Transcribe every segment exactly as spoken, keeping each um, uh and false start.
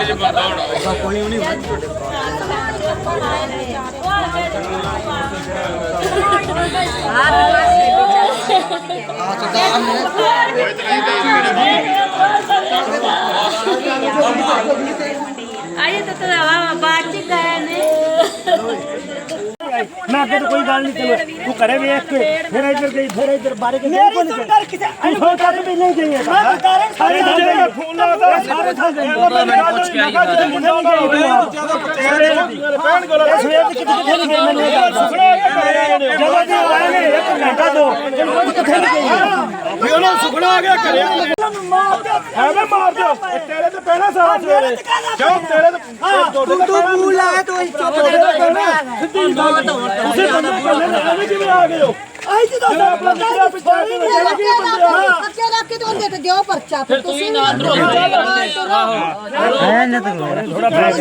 अरे तो तेरा बातचीत मैं आगे तो कोई गल नहीं चलो तू करे वेख के फिर इधर गई फिर इधर बारे के नहीं बोल के आई हो कर भी नहीं गई है मैं बता रहा सारे मुझे फोन लगा सारे था गए मैंने कुछ किया नहीं मुंडा हो गया बहन को लगा सवेर की कितनी खेल गई मैंने जल्दी से आए ने एक घंटा दो कितने गई फिर ना सुखना आ गया करे है मैं मार दो तेरे तो पहला साथ सवेरे क्यों तेरे तो तू तू भूल आया तो चुप कर उसे बंदा करने लगे कि आ गए हो आई जी तो अपना मेरा पिछा के लगे कि बंदे हां बच्चे रख के तो दे दियो पर्चा फिर तू ही ना रो है ना तो थोड़ा बैठ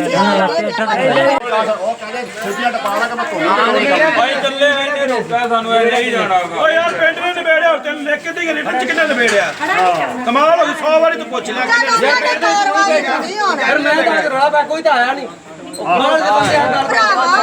ओ कहले छुट्टियां टपाला के मैं धोना भाई ਚੱਲੇ ਇਹਨੇ ਰੋਕਿਆ ਸਾਨੂੰ ਐ ਨਹੀਂ ਜਾਣਾਗਾ ਓ ਯਾਰ ਪਿੰਡ ਨੇ ਨਿਬੇੜਿਆ ਚੱਲ ਲਿਖ ਕੇ ਦੇ ਲਿਟਰ ਚ ਕਿੰਨੇ ਨਿਬੇੜਿਆ ਕਮਾਲ ਹੋ ਗਈ ਸੌ ਵਾਰੀ ਤੂੰ ਪੁੱਛ ਲੈ ਕਿੰਨੇ ਫਿਰ ਮੈਂ ਤਾਂ ਰੌਲਾ ਪਾ ਕੋਈ ਤਾਂ ਆਇਆ ਨਹੀਂ ਮਾਲ ਦੇ ਬੰਦੇ ਆ ਗੱਲ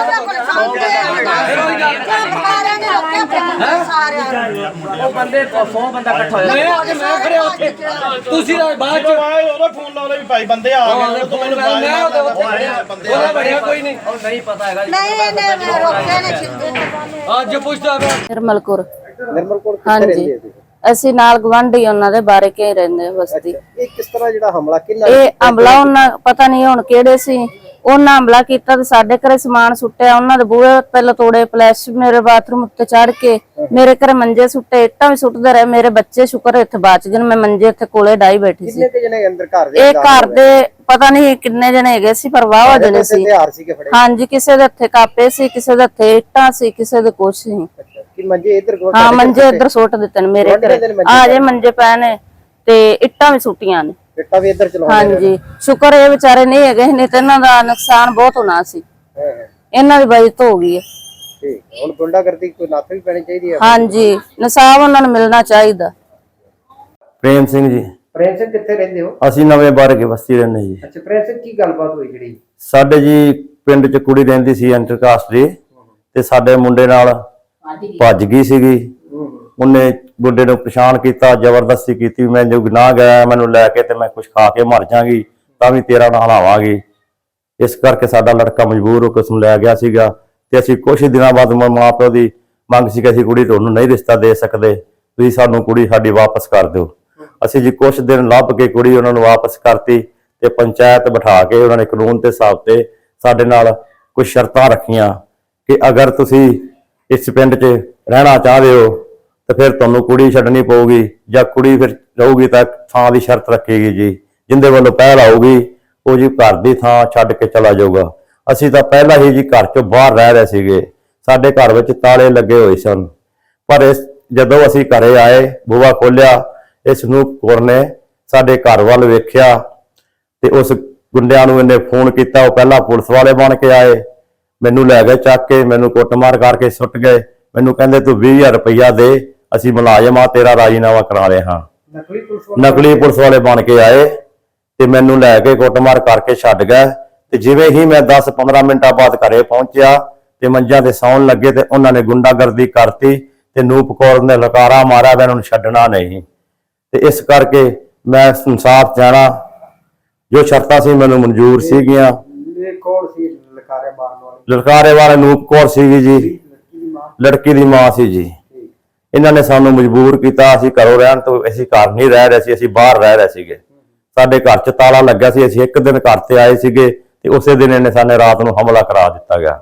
ਉਹ ਬੰਦੇ ਸੌ ਬੰਦਾ ਇਕੱਠਾ ਹੋਇਆ ਮੈਂ ਆ ਕੇ ਮੈਂ ਖੜਿਆ ਉੱਥੇ ਤੁਸੀਂ ਬਾਅਦ ਚ ਆਏ ਉਹਦਾ ਫੋਨ ਲਾ ਲੈ ਵੀ ਭਾਈ ਬੰਦੇ ਆ ਗਏ ਤੂੰ ਮੈਨੂੰ ਮੈਂ ਉਹਦੇ ਉਹਦਾ ਬੜਿਆ ਕੋਈ ਨਹੀਂ ਉਹ ਨਹੀਂ ਪਤਾ ਹੈਗਾ ਨਹੀਂ ਨਹੀਂ ਮੈਂ ਰੋਕਿਆ ਨਹੀਂ ਅੱਜ ਪੁੱਛਦਾ ਮੈਂ ਨਿਰਮਲ ਕੌਰ ਨਿਰਮਲ ਕੌਰ ਕਿੱਥੇ ਰਹਿੰਦੇ ਹੋ ਅਸੀਂ ਨਾਲ ਗਵਾਂਢੀ ਉਹਨਾਂ ਦੇ ਬਾਰੇ ਕੇ ਰਹਿੰਦੇ ਬਸਤੀ ਇਹ ਕਿਸ ਤਰ੍ਹਾਂ ਜਿਹੜਾ ਹਮਲਾ ਕਿੰਨਾ ਇਹ ਹਮਲਾ ਉਹਨਾਂ ਪਤਾ ਨਹੀਂ ਹੁਣ ਕਿਹੜੇ ਸੀ ਉਹਨਾਂ ਹਮਲਾ ਕੀਤਾ ਤੇ ਸਾਡੇ ਘਰੇ ਸਮਾਨ ਸੁੱਟਿਆ ਉਹਨਾਂ ਦੇ ਬੂਹੇ ਪਹਿਲਾਂ ਤੋੜੇ ਫਲੈਸ਼ ਮੇਰੇ ਬਾਥਰੂਮ ਉੱਤੇ ਚੜ ਕੇ ਮੇਰੇ ਘਰੇ ਮੰਜੇ ਸੁੱਟੇ ਇੱਟਾਂ ਵੀ ਸੁੱਟਦੇ ਰਹੇ ਮੇਰੇ ਬੱਚੇ ਸ਼ੁਕਰ ਇੱਥੇ ਬਚ ਗਏ ਮੈਂ ਮੰਜੇ ਇੱਥੇ ਕੋਲੇ ਡਾਈ ਬੈਠੀ ਸੀ ਕਿੰਨੇ ਜਣੇ ਅੰਦਰ ਘਰ ਦੇ ਇਹ ਘਰ ਦੇ ਪਤਾ ਨਹੀਂ ਕਿੰਨੇ ਜਣੇ ਹੈਗੇ ਸੀ ਪਰ ਵਾਹ ਜਣੇ ਸੀ ਹਾਂਜੀ ਕਿਸੇ ਦੇ ਹੱਥੇ ਕਾਪੇ ਸੀ ਕਿਸੇ ਦੇ ਹੱਥੇ ਇੱਟਾਂ ਸੀ ਕਿਸੇ ਦੇ ਕੁਛ ਸੀ ਕਿ ਮੰਜੇ ਇੱਧਰ ਹਾਂ ਮੰਜੇ ਇੱਧਰ ਸੁੱਟ ਦਿੱਤੇ ਨੇ ਮੇਰੇ ਘਰੇ ਆ ਜੇ ਮੰਜੇ ਪਏ ਨੇ ਤੇ ਇੱਟਾਂ ਵੀ ਸੁੱਟੀਆਂ ਨੇ ਇੱਟਾਂ ਵੀ ਇੱਧਰ ਚਲਾਉਂਦੇ ਹਾਂਜੀ ਸ਼ੁਕਰ ਇਹ ਵਿਚਾਰੇ ਨਹੀਂ ਹੈਗੇ ਨਹੀਂ ਤੇ ਇਹਨਾਂ ਦਾ ਨੁਕਸਾਨ ਬਹੁਤ ਹੋਣਾ ਸੀ ਇਹਨਾਂ ਦੀ ਬਚਤ ਹੋ ਗਈ ਹੈ ਠੀਕ ਹੁਣ ਗੁੰਡਾਗਰਦੀ ਕੋਈ ਨੱਥ ਵੀ ਪੈਣੀ ਚਾਹੀਦੀ ਹੈ ਹਾਂਜੀ ਇਨਸਾਫ ਉਹਨਾਂ ਨੂੰ ਮਿਲਣਾ ਚਾਹੀਦਾ ਪ੍ਰੇਮ ਸਿੰਘ ਜੀ ਪ੍ਰੇਮ ਸਿੰਘ ਕਿੱਥੇ ਰਹਿੰਦੇ ਹੋ ਅਸੀਂ ਨਵੇਂ ਬਾਰਗੇ ਬਸਤੀ ਰਹਿੰਦੇ ਜੀ ਅੱਛਾ ਪ੍ਰੇਮ ਸਿੰਘ ਕੀ ਗੱਲਬਾਤ ਹੋਈ ਜਿਹੜੀ ਸਾਡੇ ਜੀ ਪਿੰਡ ਚ ਕੁੜੀ ਰਹਿੰਦੀ ਸੀ ਇੰਟਰਕਾਸਟ ਦੀ ਤੇ ਸਾਡੇ ਮੁੰਡੇ ਨਾਲ ਭੱਜ ਗਈ ਸੀਗੀ ਉਹਨੇ ਗੁੱਡੇ ਨੂੰ ਪਛਾਣ ਕੀਤਾ ਜ਼ਬਰਦਸਤੀ ਕੀਤੀ ਮੈਂ ਜੋ ਗੁਨਾਹ ਗਿਆ ਮੈਨੂੰ ਲੈ ਕੇ ਤੇ ਮੈਂ ਕੁਝ ਖਾ ਕੇ ਮਰ ਜਾਾਂਗੀ ਤਾਂ ਵੀ ਤੇਰਾ ਨਾਲ ਹਲਾਵਾਂਗੀ ਇਸ ਕਰਕੇ ਸਾਡਾ ਲੜਕਾ ਮਜਬੂਰ ਹੋ ਕੇ ਉਸ ਨੂੰ ਲੈ ਗਿਆ ਸੀਗਾ ਤੇ ਅਸੀਂ ਕੁਝ ਦਿਨਾਂ ਬਾਅਦ ਮਾਂ ਪਿਓ ਦੀ ਮੰਗ ਸੀ ਕਿ ਅਸੀਂ ਕੁੜੀ ਤੁਹਾਨੂੰ ਨਹੀਂ ਰਿਸ਼ਤਾ ਦੇ ਸਕਦੇ ਤੁਸੀਂ ਸਾਨੂੰ ਕੁੜੀ ਸਾਡੀ ਵਾਪਸ ਕਰ ਦਿਓ ਅਸੀਂ ਜੀ ਕੁਝ ਦਿਨ ਲੱਭ ਕੇ ਕੁੜੀ ਉਹਨਾਂ ਨੂੰ ਵਾਪਸ ਕਰਤੀ ਤੇ ਪੰਚਾਇਤ ਬਿਠਾ ਕੇ ਉਹਨਾਂ ਨੇ ਕਾਨੂੰਨ ਦੇ ਹਿਸਾਬ ਤੇ ਸਾਡੇ ਨਾਲ ਕੁਝ ਸ਼ਰਤਾਂ ਰੱਖੀਆਂ ਕਿ ਅਗਰ ਤੁਸੀਂ ਇਸ ਪਿੰਡ 'ਚ ਰਹਿਣਾ ਚਾਹਦੇ ਹੋ ਤੇ ਫਿਰ ਤੁਹਾਨੂੰ ਕੁੜੀ ਛੱਡਣੀ ਪਊਗੀ ਜਾਂ ਕੁੜੀ ਫਿਰ ਰਹੂਗੀ ਤਾਂ ਥਾਂ ਦੀ ਸ਼ਰਤ ਰੱਖੇਗੀ ਜੀ ਜਿੰਦੇ ਵੱਲੋਂ ਪਹਿਲ ਆਊਗੀ ਉਹ ਜੀ ਘਰ ਦੀ ਥਾਂ ਛੱਡ ਕੇ ਚਲਾ ਜਾਊਗਾ ਅਸੀਂ ਤਾਂ ਪਹਿਲਾਂ ਹੀ ਜੀ ਘਰ ਚੋਂ ਬਾਹਰ ਰਹਿ ਰਹੇ ਸੀਗੇ ਸਾਡੇ ਘਰ ਵਿੱਚ ਤਾਲੇ ਲੱਗੇ ਹੋਏ ਸਨ ਪਰ ਇਸ ਜਦੋਂ ਅਸੀਂ ਘਰੇ ਆਏ ਬੂਹਾ ਖੋਲਿਆ ਇਸ ਨੂੰ ਕੌਰ ਨੇ ਸਾਡੇ ਘਰ ਵੱਲ ਵੇਖਿਆ ਤੇ ਉਸ ਗੁੰਡਿਆਂ ਨੂੰ ਇਹਨੇ ਫੋਨ ਕੀਤਾ ਉਹ ਪਹਿਲਾਂ ਪੁਲਿਸ ਵਾਲੇ ਬਣ ਕੇ ਆਏ ਮੈਨੂੰ ਲੈ ਗਏ ਚੱਕ ਕੇ ਮੈਨੂੰ ਕੁੱਟਮਾਰ ਕਰਕੇ ਸੁੱਟ ਗਏ ਮੈਨੂੰ ਕਹਿੰਦੇ ਤੂੰ ਵੀਹ ਹਜ਼ਾਰ ਰੁਪਈਆ ਦੇ ਅਸੀਂ ਮੁਲਾਜ਼ਮ ਆ ਤੇਰਾ ਰਾਜੀਨਾਮਾ ਕਰਾ ਰਹੇ ਹਾਂ ਨਕਲੀ ਪੁਲਿਸ ਵਾਲੇ ਬਣ ਕੇ ਆਏ ਤੇ ਮੈਨੂੰ ਲੈ ਕੇ ਕੁੱਟਮਾਰ ਕਰਕੇ ਛੱਡ ਗਏ ਤੇ ਜਿਵੇਂ ਹੀ ਮੈਂ ਦਸ ਪੰਦਰਾਂ ਮਿੰਟਾਂ ਬਾਅਦ ਘਰੇ ਪਹੁੰਚਿਆ ਤੇ ਮੰਜਾਂ ਤੇ ਸੌਣ ਲੱਗੇ ਤੇ ਉਹਨਾਂ ਨੇ ਗੁੰਡਾਗਰਦੀ ਕਰਤੀ ਤੇ ਨੂਪ ਕੌਰ ਨੇ ਲਕਾਰਾ ਮਾਰਿਆ ਮੈਂ ਉਹਨੂੰ ਛੱਡਣਾ ਨਹੀਂ ਤੇ ਇਸ ਕਰਕੇ ਮੈਂ ਇਨਸਾਫ ਚਾਹਣਾ ਜੋ ਸ਼ਰਤਾਂ ਸੀ ਮੈਨੂੰ ਮਨਜ਼ੂਰ ਸੀਗੀਆਂ ਕੌਣ ਸੀ ਲਕਾਰੇ ਮਾਰਨ ਵਾਲੀ ਲਕਾਰੇ ਵਾਲੇ ਨੂਪ ਕੌਰ ਸੀਗੀ ਜੀ ਲੜਕੀ ਦੀ ਮਾਂ ਸੀ ਜੀ ਇਹਨਾਂ ਨੇ ਸਾਨੂੰ ਮਜਬੂਰ ਕੀਤਾ ਅਸੀਂ ਘਰੋਂ ਰਹਿਣ ਤੋਂ ਅਸੀਂ ਘਰ ਨਹੀਂ ਰਹਿ ਰਹੇ ਸੀ ਅਸੀਂ ਬਾਹਰ ਰਹਿ ਰਹੇ ਸੀਗੇ ਸਾਡੇ ਘਰ 'ਚ ਤਾਲਾ ਲੱਗਾ ਸੀ ਅਸੀਂ ਇੱਕ ਦਿਨ ਘਰ ਤੇ ਆਏ ਸੀਗੇ ਤੇ ਉਸੇ ਦਿਨ ਇਹਨੇ ਸਾਨੂੰ ਰਾਤ ਨੂੰ ਹਮਲਾ ਕਰਾ ਦਿੱਤਾ ਗਿਆ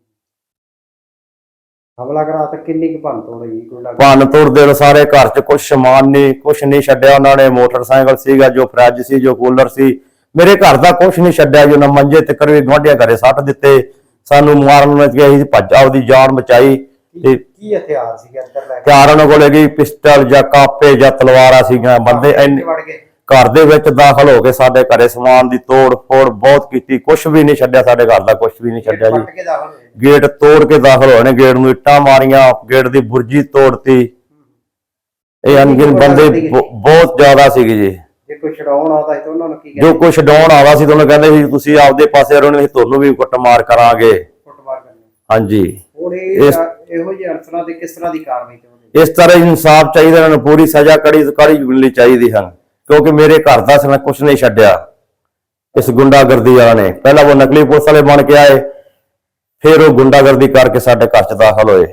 ਹਮਲਾ ਕਰਾ ਤਾਂ ਕਿੰਨੀ ਕੁ ਭੰਨ ਤੋੜ ਹੋਈ ਭੰਨ ਤੋੜ ਦੇ ਸਾਰੇ ਘਰ 'ਚ ਕੁਛ ਸਮਾਨ ਨਹੀਂ ਕੁਛ ਨਹੀਂ ਛੱਡਿਆ ਉਹਨਾਂ ਨੇ ਮੋਟਰਸਾਈਕਲ ਸੀਗਾ ਜੋ ਫਰਿੱਜ ਸੀ ਜੋ ਕੂਲਰ ਸੀ ਮੇਰੇ ਘਰ ਦਾ ਕੁਛ ਨਹੀਂ ਛੱਡਿਆ ਜੋ ਨਾ ਮੰਜੇ ਤੇ ਕਰਵੇ ਗਵਾਂਢੀਆਂ ਘਰੇ ਸੱਟ ਦਿੱਤੇ ਸਾਨੂੰ ਮਾਰਨ ਵਿੱਚ ਗਏ ਸੀ ਭੱਜ ਆਪਦੀ ਜਾਨ ਬਚਾਈ ਤੇ ਕੀ ਹਥਿਆਰ ਸੀਗੇ ਅੰਦਰ ਲੈ ਕੇ ਹਥਿਆਰ ਉਹਨਾਂ ਕੋਲ ਹੈਗੀ ਪਿਸਟਲ ਜਾਂ ਕਾਪੇ ਜਾਂ ਤਲਵਾਰਾਂ ਸੀਗੀਆਂ ਬੰਦੇ ਘਰ ਦੇ ਵਿੱਚ ਦਾਖਲ ਹੋ ਕੇ ਸਾਡੇ ਘਰੇ ਸਮਾਨ ਦੀ ਤੋੜ ਫੋੜ ਬਹੁਤ ਕੀਤੀ ਕੁਛ ਵੀ ਨਹੀਂ ਛੱਡਿਆ ਸਾਡੇ ਘਰ ਦਾ ਕੁਛ ਵੀ ਨਹੀਂ ਛੱਡਿਆ ਜੀ ਗੇਟ ਤੋੜ ਕੇ ਦਾਖਲ ਹੋਏ ਨੇ ਗੇਟ ਨੂੰ ਇੱਟਾਂ ਮਾਰੀਆਂ ਗੇਟ ਦੀ ਬੁਰਜੀ ਤੋੜਤੀ ਇਹ ਅਣਗਿਣ ਬੰਦੇ ਬਹੁਤ ਜ਼ਿਆਦਾ ਸੀਗੇ ਜੀ ਜੇ ਕੋਈ ਛਡਾਉਣ ਆਦਾ ਸੀ ਤਾਂ ਉਹਨਾਂ ਨੂੰ ਕੀ ਜੋ ਕੁਛ ਛਡਾਉਣ ਆਦਾ ਸੀ ਤੁਹਾਨੂੰ ਕਹਿੰਦੇ ਸੀ ਤੁਸੀਂ ਆਪਦੇ ਪਾਸੇ ਰਹੋ ਨਹੀਂ ਤੁਹਾਨੂੰ ਵੀ ਕੁੱਟਮਾਰ ਕਰਾਂਗੇ। ਕੁੱਟਮਾਰ ਕਰਨੀ। ਹਾਂਜੀ ਹੁਣ ਇਹ ਇਹੋ ਜਿਹੇ ਅਨਸਰਾਂ ਤੇ ਕਿਸ ਤਰ੍ਹਾਂ ਦੀ ਕਾਰਵਾਈ ਚਾਹੁੰਦੇ? ਇਸ ਤਰ੍ਹਾਂ ਇਨਸਾਫ ਚਾਹੀਦਾ, ਇਹਨਾਂ ਨੂੰ ਪੂਰੀ ਸਜ਼ਾ ਕੜੀ ਕੜੀ ਮਿਲਣੀ ਚਾਹੀਦੀ ਹਨ, ਕਿਉਂਕਿ ਮੇਰੇ ਘਰ ਦਾ ਸਨ ਕੁਛ ਨਹੀਂ ਛੱਡਿਆ ਇਸ ਗੁੰਡਾਗਰਦੀ ਵਾਲਾ ਨੇ। ਪਹਿਲਾਂ ਉਹ ਨਕਲੀ ਪੁਲਿਸ ਵਾਲੇ ਬਣ ਕੇ ਆਏ, ਫਿਰ ਉਹ ਗੁੰਡਾਗਰਦੀ ਕਰਕੇ ਸਾਡੇ ਘਰ ਚ ਦਾਖਲ ਹੋਏ।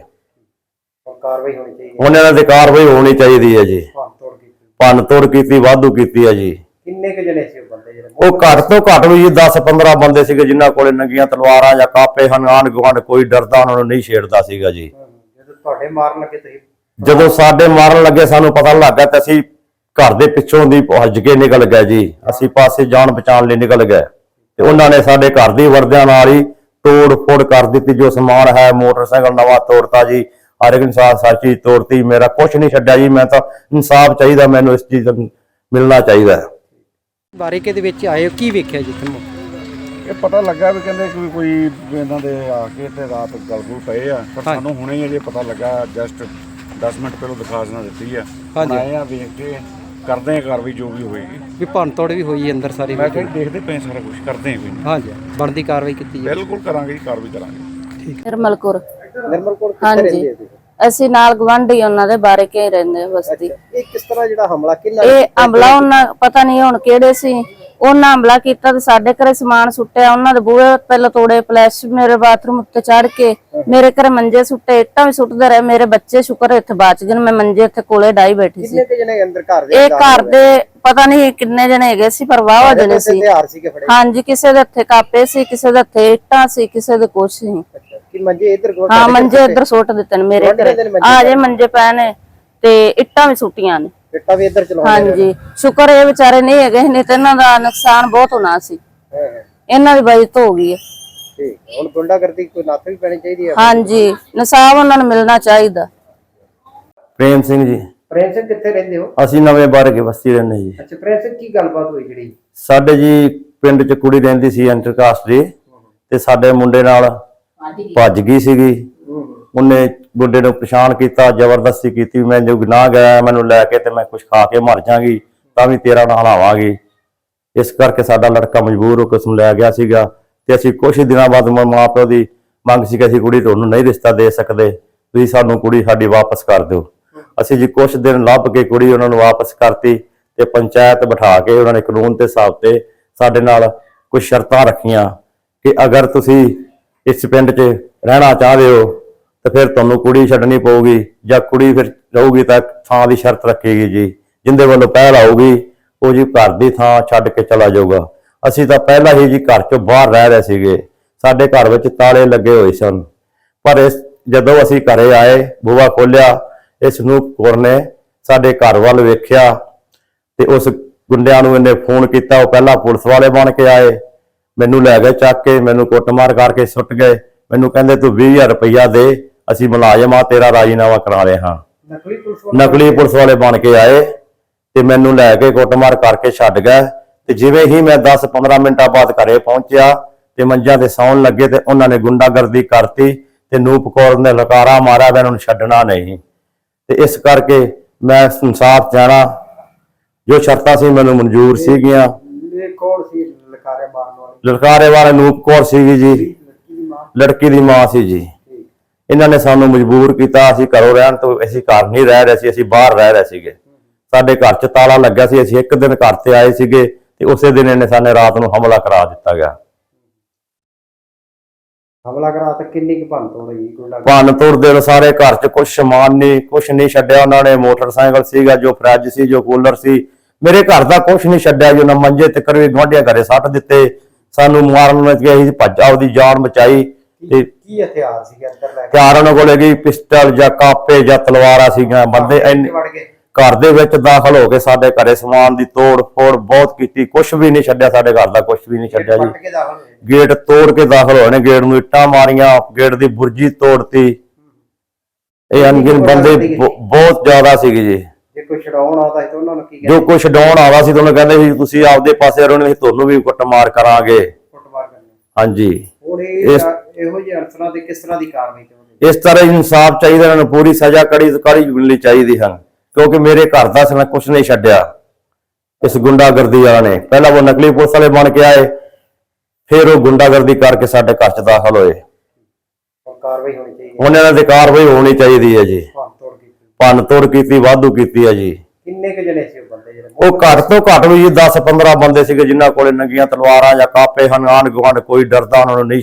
ਕਾਰਵਾਈ ਹੋਣੀ ਚਾਹੀਦੀ ਹੁਣ ਇਹਨਾਂ ਦੀ ਕਾਰਵਾਈ ਹੋਣੀ ਚਾਹੀਦੀ ਹੈ ਜੀ। ਭੰਨ ਤੋੜ ਕੀਤੀ, ਵਾਧੂ ਕੀਤੀ ਹੈ ਜੀ। ਕਿੰਨੇ ਕੁ ਜਣੇ ਸੀ ਉਹ ਬੰਦੇ ਜਿਹੜੇ? ਉਹ ਘੱਟ ਤੋਂ ਘੱਟ ਵੀ ਜੀ ਦਸ ਪੰਦਰਾਂ ਬੰਦੇ ਸੀਗੇ ਜਿਨ੍ਹਾਂ ਕੋਲੇ ਨੰਗੀਆਂ ਤਲਵਾਰਾਂ ਜਾਂ ਕਾਪੇ ਹਨ। ਆਂਢ ਗੁਆਂਢ ਕੋਈ ਡਰਦਾ ਉਹਨਾਂ ਨੂੰ ਨਹੀਂ ਛੇੜਦਾ ਸੀਗਾ ਜੀ। ਜਦੋਂ ਤੁਹਾਡੇ ਮਾਰਨ ਲੱਗੇ ਤੁਸੀਂ? ਜਦੋਂ ਸਾਡੇ ਮਾਰਨ ਲੱਗੇ ਸਾਨੂੰ ਪਤਾ ਲੱਗਾ ਤੇ ਅਸੀਂ ਘਰ ਦੇ ਪਿੱਛੋਂ ਦੀ ਭੱਜ ਕੇ ਨਿਕਲ ਗਏ ਜੀ। ਅਸੀਂ ਪਾਸੇ ਜਾਨ ਬਚਾਉਣ ਲਈ ਨਿਕਲ ਗਏ ਤੇ ਉਹਨਾਂ ਨੇ ਸਾਡੇ ਘਰ ਦੀ ਵਰਦਿਆਂ ਨਾਲ ਹੀ ਤੋੜ ਫੋੜ ਕਰ ਦਿੱਤੀ। ਜੋ ਸਮਾਨ ਹੈ ਮੋਟਰਸਾਈਕਲ ਨਵਾਂ ਤੋੜਤਾ ਜੀ, ਹਰ ਇੱਕ ਇਨਸਾਨ ਸਾਚੀ ਤੋੜਤੀ। ਮੇਰਾ ਕੁਛ ਨਹੀਂ ਛੱਡਿਆ ਜੀ। ਮੈਂ ਤਾਂ ਇਨਸਾਫ ਚਾਹੀਦਾ, ਮੈਨੂੰ ਇਸ ਚੀਜ਼ ਦਾ ਮਿਲਣਾ ਚਾਹੀਦਾ। ਬਾਰੀਕੇ ਦੇ ਵਿੱਚ ਆਏ ਕੀ ਵੇਖਿਆ ਜੀ ਤੁਹਾਨੂੰ? ਇਹ ਪਤਾ ਲੱਗਾ ਵੀ ਕਹਿੰਦੇ ਕਿ ਕੋਈ ਇਹਨਾਂ ਦੇ ਆ ਕੇ ਤੇ ਰਾਤ ਗਲਗੁਲ ਪਏ ਆ, ਪਰ ਸਾਨੂੰ ਹੁਣੇ ਹੀ ਅਜੇ ਪਤਾ ਲੱਗਾ। ਜਸਟ ਦਸ ਮਿੰਟ ਪਹਿਲਾਂ ਦਿਖਾਸਣਾ ਦਿੱਤੀ ਆ। ਆਏ ਆ ਵੇਖ ਕੇ ਕਰਦੇ ਆ ਕਾਰਵਾਈ ਜੋ ਵੀ ਹੋਏਗੀ। ਵੀ ਭੰਨ ਤੋੜ ਵੀ ਹੋਈ ਅੰਦਰ ਸਾਰੀ? ਮੈਂ ਕਿਹਾ ਦੇਖਦੇ ਪਏ ਸਾਰਾ ਕੁਝ ਕਰਦੇ ਆ ਕੋਈ ਨਹੀਂ। ਹਾਂਜੀ ਬਣਦੀ ਕਾਰਵਾਈ ਕੀਤੀ ਜੀ? ਬਿਲਕੁਲ ਕਰਾਂਗੇ, ਕਾਰਵਾਈ ਕਰਾਂਗੇ। ਨਿਰਮਲ ਕੌਰ। ਨਿਰਮਲ ਕੌਰ ਕਿੱਥੇ ਹਾਂਜੀ ਰਹਿੰਦੇ ਆ ਤੁਸੀਂ? ਅਸੀਂ ਨਾਲ ਗਵਾਂਢੀ ਉਹਨਾਂ ਦੇ ਬਾਰੇ ਕੇ ਰਹਿੰਦੇ ਹਾਂ ਬਸਤੀ। ਇਹ ਕਿਸ ਤਰ੍ਹਾਂ ਜਿਹੜਾ ਹਮਲਾ ਕਿੰਨਾ? ਇਹ ਹਮਲਾ ਉਹਨਾਂ ਪਤਾ ਨਹੀਂ ਹੁਣ ਕਿਹੜੇ ਸੀ, ਉਹਨਾਂ ਹਮਲਾ ਕੀਤਾ ਤੇ ਸਾਡੇ ਘਰੇ ਸਮਾਨ ਸੁੱਟਿਆ। ਉਹਨਾਂ ਦੇ ਬੂਹੇ ਪਹਿਲਾਂ ਤੋੜੇ, ਫਲੈਸ਼ ਮੇਰੇ ਬਾਥਰੂਮ ਉੱਤੇ ਚੜ ਕੇ ਮੇਰੇ ਘਰੇ ਮੰਜੇ ਸੁੱਟੇ, ਇੱਟਾਂ ਵੀ ਸੁੱਟਦੇ ਰਹੇ। ਮੇਰੇ ਬੱਚੇ ਸ਼ੁਕਰ ਇੱਥੇ ਬਚ ਗਏ। ਮੈਂ ਮੰਜੇ ਇੱਥੇ ਕੋਲੇ ਡਾਈ ਬੈਠੀ ਸੀ। ਕਿੰਨੇ ਕੁ ਜਣੇ ਅੰਦਰ ਘਰ ਦੇ? ਇਹ ਘਰ ਦੇ ਪਤਾ ਨਹੀਂ ਕਿੰਨੇ ਜਣੇ ਹੈਗੇ ਸੀ, ਪਰ ਵਾਹਵਾ ਜਣੇ ਸੀ। ਹਥਿਆਰ ਸੀਗੇ ਫੜੇ? ਹਾਂਜੀ, ਕਿਸੇ ਦੇ ਹੱਥੇ ਕਾਪੇ ਸੀ, ਕਿਸੇ ਦੇ ਹੱਥੇ ਇੱਟਾਂ ਸੀ, ਕਿਸੇ ਦੇ ਕੁਛ ਸੀ। ਕਿ ਮੰਜੇ ਇੱਧਰ ਕੋਲ? ਹਾਂ, ਮੰਜੇ ਇੱਧਰ ਸੁੱਟ ਦਿੱਤੇ ਨੇ ਮੇਰੇ ਘਰੇ। ਆ ਜੇ ਮੰਜੇ ਪਏ ਨੇ ਤੇ ਇੱਟਾਂ ਵੀ ਸੁੱਟੀਆਂ ਨੇ। ਇੱਟਾਂ ਵੀ ਇੱਧਰ ਚਲਾਉਂਦੇ? ਹਾਂਜੀ, ਸ਼ੁਕਰ ਇਹ ਵਿਚਾਰੇ ਨਹੀਂ ਹੈਗੇ, ਨਹੀਂ ਤੇ ਇਹਨਾਂ ਦਾ ਨੁਕਸਾਨ ਬਹੁਤ ਹੋਣਾ ਸੀ। ਇਹਨਾਂ ਦੀ ਬਚਤ ਹੋ ਗਈ ਹੈ। ਠੀਕ, ਹੁਣ ਗੁੰਡਾਗਰਦੀ ਕੋਈ ਨੱਥ ਵੀ ਪੈਣੀ ਚਾਹੀਦੀ ਹੈ? ਹਾਂਜੀ, ਇਨਸਾਫ ਉਹਨਾਂ ਨੂੰ ਮਿਲਣਾ ਚਾਹੀਦਾ। ਪ੍ਰੇਮ ਸਿੰਘ ਜੀ। ਪ੍ਰੇਮ ਸਿੰਘ ਕਿੱਥੇ ਰਹਿੰਦੇ ਹੋ? ਅਸੀਂ ਨਵੇਂ ਬਾਰਕੇ ਬਸਤੀ ਰਹਿੰਦੇ ਜੀ। ਅੱਛਾ, ਪ੍ਰੇਮ ਸਿੰਘ ਕੀ ਗੱਲਬਾਤ ਹੋਈ ਜਿਹੜੀ? ਸਾਡੇ ਜੀ ਪਿੰਡ ਚ ਕੁੜੀ ਰਹਿੰਦੀ ਸੀ ਇੰਟਰਕਾਸਟ ਦੀ, ਤੇ ਸਾਡੇ ਮੁੰਡੇ ਨਾਲ ਭੱਜ ਗਈ ਸੀਗੀ। ਉਹਨੇ ਮੁੰਡੇ ਨੂੰ ਪਛਾਣ ਕੀਤਾ, ਜ਼ਬਰਦਸਤੀ ਕੀਤੀ। ਮੈਂ ਜੋ ਗੁਨਾਹ ਗਿਆ ਮੈਨੂੰ ਲੈ ਕੇ ਤੇ ਮੈਂ ਕੁਝ ਖਾ ਕੇ ਮਰ ਜਾਗੀ ਤਾਂ ਵੀ ਤੇਰਾ ਨਾਲ ਹਲਾਵਾਂਗੀ। ਇਸ ਕਰਕੇ ਸਾਡਾ ਲੜਕਾ ਮਜਬੂਰ ਹੋ ਕੇ ਉਸ ਨੂੰ ਲੈ ਗਿਆ ਸੀਗਾ। ਤੇ ਅਸੀਂ ਕੁਝ ਦਿਨਾਂ ਬਾਅਦ ਮਾਂ ਪਿਓ ਦੀ ਮੰਗ ਸੀ ਕਿ ਅਸੀਂ ਕੁੜੀ ਤੁਹਾਨੂੰ ਨਹੀਂ ਰਿਸ਼ਤਾ ਦੇ ਸਕਦੇ, ਤੁਸੀਂ ਸਾਨੂੰ ਕੁੜੀ ਸਾਡੀ ਵਾਪਸ ਕਰ ਦਿਓ। ਅਸੀਂ ਜੀ ਕੁਝ ਦਿਨ ਲੱਭ ਕੇ ਕੁੜੀ ਉਹਨਾਂ ਨੂੰ ਵਾਪਸ ਕਰਤੀ ਤੇ ਪੰਚਾਇਤ ਬਿਠਾ ਕੇ ਉਹਨਾਂ ਨੇ ਕਾਨੂੰਨ ਦੇ ਹਿਸਾਬ ਤੇ ਸਾਡੇ ਨਾਲ ਕੁਝ ਸ਼ਰਤਾਂ ਰੱਖੀਆਂ ਕਿ ਅਗਰ ਤੁਸੀਂ ਇਸ ਪਿੰਡ 'ਚ ਰਹਿਣਾ ਚਾਹਦੇ ਹੋ ਤੇ ਫਿਰ ਤੁਹਾਨੂੰ ਕੁੜੀ ਛੱਡਣੀ ਪਊਗੀ, ਜਾਂ ਕੁੜੀ ਫਿਰ ਰਹੂਗੀ ਤਾਂ ਥਾਂ ਦੀ ਸ਼ਰਤ ਰੱਖੇਗੀ ਜੀ। ਜਿੰਦੇ ਵੱਲੋਂ ਪਹਿਲ ਆਊਗੀ ਉਹ ਜੀ ਘਰ ਦੀ ਥਾਂ ਛੱਡ ਕੇ ਚਲਾ ਜਾਊਗਾ। ਅਸੀਂ ਤਾਂ ਪਹਿਲਾਂ ਹੀ ਜੀ ਘਰ ਚੋਂ ਬਾਹਰ ਰਹਿ ਰਹੇ ਸੀਗੇ, ਸਾਡੇ ਘਰ ਵਿੱਚ ਤਾਲੇ ਲੱਗੇ ਹੋਏ ਸਨ। ਪਰ ਇਸ ਜਦੋਂ ਅਸੀਂ ਘਰੇ ਆਏ, ਬੂਹਾ ਖੋਲਿਆ, ਇਸ ਨੂੰ ਕੌਰ ਨੇ ਸਾਡੇ ਘਰ ਵੱਲ ਵੇਖਿਆ ਤੇ ਉਸ ਗੁੰਡਿਆਂ ਨੂੰ ਇਹਨੇ ਫੋਨ ਕੀਤਾ। ਉਹ ਪਹਿਲਾਂ ਪੁਲਿਸ ਵਾਲੇ ਬਣ ਕੇ ਆਏ, ਮੈਨੂੰ ਲੈ ਗਏ ਚੱਕ ਕੇ, ਮੈਨੂੰ ਕੁੱਟਮਾਰ ਕਰਕੇ ਸੁੱਟ ਗਏ। ਮੈਨੂੰ ਕਹਿੰਦੇ ਤੂੰ ਵੀਹ ਹਜ਼ਾਰ ਰੁਪਈਆ ਦੇ, ਅਸੀਂ ਮੁਲਾਜ਼ਮ ਆ, ਤੇਰਾ ਰਾਜੀਨਾਮਾ ਕਰਾ ਰਹੇ ਹਾਂ। ਨਕਲੀ ਪੁਲਿਸ? ਨਕਲੀ ਪੁਲਿਸ ਵਾਲੇ ਬਣ ਕੇ ਆਏ ਤੇ ਮੈਨੂੰ ਲੈ ਕੇ ਕੁੱਟਮਾਰ ਕਰਕੇ ਛੱਡ ਗਏ। ਤੇ ਜਿਵੇਂ ਹੀ ਮੈਂ ਦਸ ਪੰਦਰਾਂ ਮਿੰਟਾਂ ਬਾਅਦ ਘਰੇ ਪਹੁੰਚਿਆ ਤੇ ਮੰਜਾਂ ਤੇ ਸੌਣ ਲੱਗੇ ਤੇ ਉਹਨਾਂ ਨੇ ਗੁੰਡਾਗਰਦੀ ਕਰਤੀ ਤੇ ਨੂਪ ਕੌਰ ਨੇ ਲਕਾਰਾ ਮਾਰਿਆ ਵੀ ਇਹਨਾਂ ਨੂੰ ਛੱਡਣਾ ਨਹੀਂ। ਤੇ ਇਸ ਕਰਕੇ ਮੈਂ ਇਨਸਾਫ ਚਾਹਣਾ, ਜੋ ਸ਼ਰਤਾਂ ਸੀ ਮੈਨੂੰ ਮਨਜ਼ੂਰ ਸੀਗੀਆਂ। ਇਹ ਕੌਣ ਸੀ ਲਕਾਰੇ ਮਾਰਨ ਵਾਲੇ? ਲਲਕਾਰੇ ਵਾਲੇ ਨੂਪ ਕੌਰ ਸੀਗੀ ਜੀ, ਲੜਕੀ ਦੀ ਮਾਂ ਸੀ ਜੀ। ਇਹਨਾਂ ਨੇ ਸਾਨੂੰ ਮਜਬੂਰ ਕੀਤਾ, ਅਸੀਂ ਘਰੋਂ ਰਹਿਣ ਤੋਂ, ਅਸੀਂ ਘਰ ਨਹੀਂ ਰਹਿ ਰਹੇ ਸੀ, ਅਸੀਂ ਬਾਹਰ ਰਹਿ ਰਹੇ ਸੀਗੇ। ਸਾਡੇ ਘਰ 'ਚ ਤਾਲਾ ਲੱਗਾ ਸੀ, ਅਸੀਂ ਇੱਕ ਦਿਨ ਘਰ ਤੇ ਆਏ ਸੀਗੇ ਤੇ ਉਸੇ ਦਿਨ ਇਹਨੇ ਸਾਨੂੰ ਰਾਤ ਨੂੰ ਹਮਲਾ ਕਰਾ ਦਿੱਤਾ ਗਿਆ। ਹਮਲਾ ਕਰਾ ਤਾਂ ਕਿੰਨੀ ਕੁ ਭੰਨ ਤੋੜ ਹੋਈ? ਭੰਨ ਤੋੜ ਦੇ ਸਾਰੇ ਘਰ 'ਚ ਕੁਛ ਸਮਾਨ ਨਹੀਂ, ਕੁਛ ਨਹੀਂ ਛੱਡਿਆ ਉਹਨਾਂ ਨੇ। ਮੋਟਰਸਾਈਕਲ ਸੀਗਾ, ਜੋ ਫਰਿੱਜ ਸੀ, ਜੋ ਕੂਲਰ ਸੀ, ਮੇਰੇ ਘਰ ਦਾ ਕੁਛ ਨਹੀਂ ਛੱਡਿਆ ਜੀ। ਉਹਨਾਂ ਮੰਜੇ ਤੇ ਕਰਵੇ ਗੁਆਂਢੀਆਂ ਘਰੇ ਸੱਟ ਦਿੱਤੇ, ਸਾਨੂੰ ਮਾਰਨ ਨੂੰ ਗਏ ਸੀ, ਭੱਜ ਆਪਦੀ ਜਾਨ ਬਚਾਈ। ਤੇ ਕੀ ਹਥਿਆਰ ਸੀਗੇ ਅੰਦਰ ਲੈ ਕੇ? ਹਥਿਆਰ ਉਹਨਾਂ ਕੋਲ ਹੈਗੀ ਪਿਸਟਲ ਜਾਂ ਕਾਪੇ ਜਾਂ ਤਲਵਾਰਾਂ ਸੀਗੀਆਂ। ਬੰਦੇ ਇੰਨੇ ਘਰ ਦੇ ਵਿੱਚ ਦਾਖਲ ਹੋ ਕੇ ਸਾਡੇ ਘਰੇ ਸਮਾਨ ਦੀ ਤੋੜ ਫੋੜ ਬਹੁਤ ਕੀਤੀ, ਕੁਛ ਵੀ ਨਹੀਂ ਛੱਡਿਆ, ਸਾਡੇ ਘਰ ਦਾ ਕੁਛ ਵੀ ਨਹੀਂ ਛੱਡਿਆ ਜੀ। ਗੇਟ ਤੋੜ ਕੇ ਦਾਖਲ ਹੋਏ ਨੇ, ਗੇਟ ਨੂੰ ਇੱਟਾਂ ਮਾਰੀਆਂ, ਗੇਟ ਦੀ ਬੁਰਜੀ ਤੋੜਤੀ। ਇਹ ਅਣਗਿਣ ਬੰਦੇ ਬਹੁਤ ਜ਼ਿਆਦਾ ਸੀਗੇ ਜੀ। ਜੇ ਕੋਈ ਛਡਾਉਣ ਆਦਾ ਸੀ ਤਾਂ ਉਹਨਾਂ ਨੂੰ ਕੀ ਜੋ ਕੁਛ ਛਡਾਉਣ ਆਦਾ ਸੀ ਤੁਹਾਨੂੰ ਕਹਿੰਦੇ ਸੀ ਤੁਸੀਂ ਆਪਦੇ ਪਾਸੇ ਰਹੋ ਨਹੀਂ ਤੁਹਾਨੂੰ ਵੀ ਕੁੱਟਮਾਰ ਕਰਾਂਗੇ। ਕੁੱਟਮਾਰ ਕਰਨੀ? ਹਾਂਜੀ। ਹੁਣ ਇਹ ਇਹੋ ਜਿਹੇ ਅਨਸਰਾਂ ਤੇ ਕਿਸ ਤਰ੍ਹਾਂ ਦੀ ਕਾਰਵਾਈ ਚਾਹੁੰਦੇ? ਇਸ ਤਰ੍ਹਾਂ ਇਨਸਾਫ ਚਾਹੀਦਾ, ਇਹਨਾਂ ਨੂੰ ਪੂਰੀ ਸਜ਼ਾ ਕੜੀ ਕੜੀ ਮਿਲਣੀ ਚਾਹੀਦੀ ਹਨ, ਕਿਉਂਕਿ ਮੇਰੇ ਘਰ ਦਾ ਸਨ ਕੁਛ ਨਹੀਂ ਛੱਡਿਆ ਇਸ ਗੁੰਡਾਗਰਦੀ ਵਾਲਾ ਨੇ। ਪਹਿਲਾਂ ਉਹ ਨਕਲੀ ਪੁਲਿਸ ਵਾਲੇ ਬਣ ਕੇ ਆਏ, ਫਿਰ ਉਹ ਗੁੰਡਾਗਰਦੀ ਕਰਕੇ ਸਾਡੇ ਘਰ 'ਚ ਦਾਖਲ ਹੋਏ। ਹੁਣ ਕਾਰਵਾਈ ਹੋਣੀ ਚਾਹੀਦੀ ਹੁਣ ਇਹਨਾਂ ਦੀ ਕਾਰਵਾਈ ਹੋਣੀ ਚਾਹੀਦੀ ਹੈ ਜੀ। ਭੰਨ ਤੋੜ ਕੀਤੀ। ਭੰਨ ਤੋੜ ਕੀਤੀ, ਵਾਧੂ ਕੀਤੀ ਹੈ ਜੀ। ਕਿੰਨੇ ਕੁ ਜਣੇ ਸੀ ਉਹ ਬੰਦੇ ਜਿਹੜੇ? ਉਹ ਘੱਟ ਤੋਂ ਘੱਟ ਵੀ ਜੀ ਦਸ ਪੰਦਰਾਂ ਬੰਦੇ ਸੀਗੇ, ਜਿਨ੍ਹਾਂ ਕੋਲੇ ਨੰਗੀਆਂ ਤਲਵਾਰਾਂ ਜਾਂ ਕਾਪੇ ਹਨ। ਆਂਢ ਗੁਆਂਢ ਕੋਈ ਡਰਦਾ ਉਹਨਾਂ ਨੂੰ ਨਹੀਂ